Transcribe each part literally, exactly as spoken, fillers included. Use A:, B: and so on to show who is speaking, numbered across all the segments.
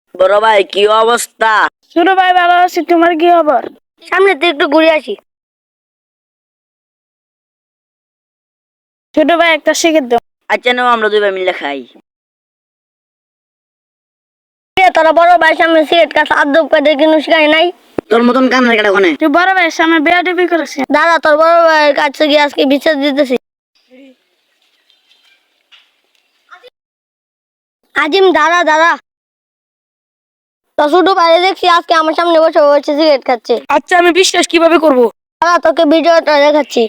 A: বড় ভাই কি অবস্থা?
B: ছোট ভাই ভালো আছি, তোমার কি খবর?
C: সামনে তো একটু ঘুরে আসি।
B: ছোট ভাই একটা সিগারেট দাও।
A: আচ্ছা নাও আমরা দুই ভাই মিলে খাই।
C: তোরা বড় ভাই সামনে সিগারেট কাছে আদব করে কিন্তু শিখাই নাই।
A: তোর মতন কান্নার কাটা ওখানে।
B: তুই বড় ভাইয়ের সামনে বেয়াদবি করেছিস।
C: দাদা তোর বড় ভাইয়ের কাছে গিয়ে আজকে বিচার দিতেছি। আজিম দাদা দাদা তো ছোট ভাই দেখছি আজকে আমার সামনে বসে বসে সিগারেট খাচ্ছে।
B: আচ্ছা আমি বিশ্বাস কিভাবে করব?
C: দাদা তোকে ভিডিওটা দেখাচ্ছি।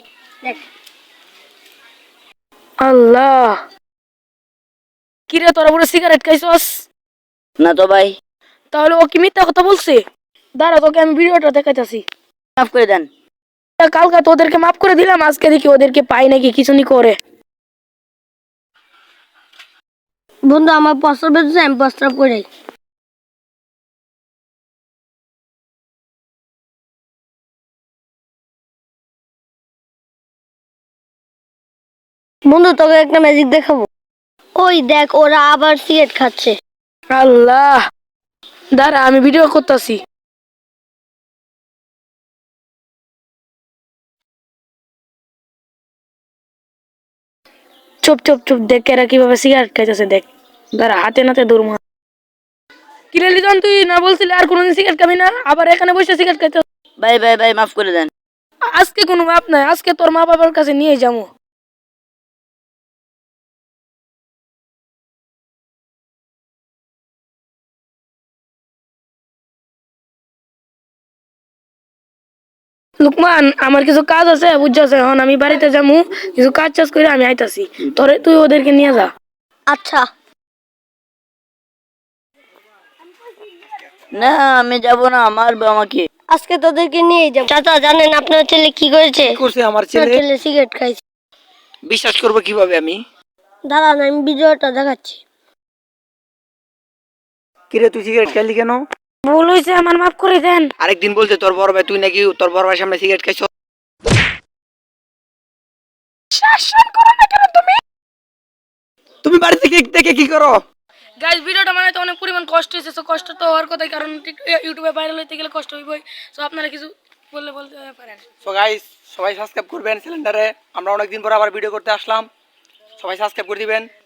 B: আল্লাহ, কিরে তোরা বড় সিগারেট খাইছস?
A: না তো ভাই।
B: তাহলে ও কি মিথ্যা কথা বলছে? দাঁড়া তোকে আমি ভিডিওটা দেখাইতাছি।
A: মাফ করে দেন।
B: কালকে তো ওদেরকে মাফ করে দিলাম, আজকে দেখি ওদেরকে পাই নাকি কিছু নি করে।
C: বন্ধু আমার প্রস্তাব দিচ্ছে, আমি প্রস্তাব করে বন্ধু তোকে একটা ম্যাজিক দেখাবো। ওই দেখ ওরা আবার সিগারেট খাচ্ছে।
B: আল্লাহ, দাঁড়া আমি ভিডিও করতেছি। চুপ চুপ চুপ, দেখ এরা কিভাবে সিগারেট খাইতেছে দেখ। দাঁড়া হাতে নাতে দৌড়। কিরে লিজন, তুই না বলছিলি আর কোনোদিন সিগারেট খাবি না, আবার এখানে বসে সিগারেট খাইতে?
A: ভাই ভাই ভাই মাফ করে দেন।
B: আজকে কোনো মাপ নাই, আজকে তোর মা বাবার কাছে নিয়ে যাবো। লুকমান আমার কিছু কাজ আছে বুঝছস, এখন আমি বাড়িতে যাবো, কিছু কাজ চাষ করে আমি আইতাছি। তোরে তুই ওদেরকে নিয়ে যা।
C: আচ্ছা
A: না আমি যাব না, মারবে আমাকে।
C: আজকে তোদেরকে নিয়ে যাবো। চাচা জানেন আপনার ছেলে কি করেছে?
D: কি করছে আমার
C: আপনার
D: ছেলে?
C: ছেলে সিগারেট খাইছে।
D: বিশ্বাস করবো কিভাবে আমি?
C: দাদা না আমি ভিডিওটা দেখাচ্ছি।
D: কিরে তুই সিগারেট খেলি কেন?
B: ভুল হয়েছে, আমার মাফ করে দেন।
D: আরেকদিন বলছে তোর বড় ভাই, তুই নাকি তোর বড় ভাইয়ের সামনে সিগারেট খাইছ।
B: শাসন করো না কেন তুমি?
D: তুমি বাড়িতে কি দেখে কি করো?
B: গাইস ভিডিওটা বানাইতে অনেক পরিমাণ কষ্ট হয়েছে, তো কষ্ট তো হওয়ার কথাই, কারণ ইউটিউবে ভাইরাল হইতে গেলে কষ্ট হইবই। তো আপনারা কিছু বললে বলতে পারেন।
D: সো গাইস সবাই সাবস্ক্রাইব করবেন চ্যানেলটারে। আমরা অনেকদিন পর আবার ভিডিও করতে আসলাম, সবাই সাবস্ক্রাইব করে দিবেন।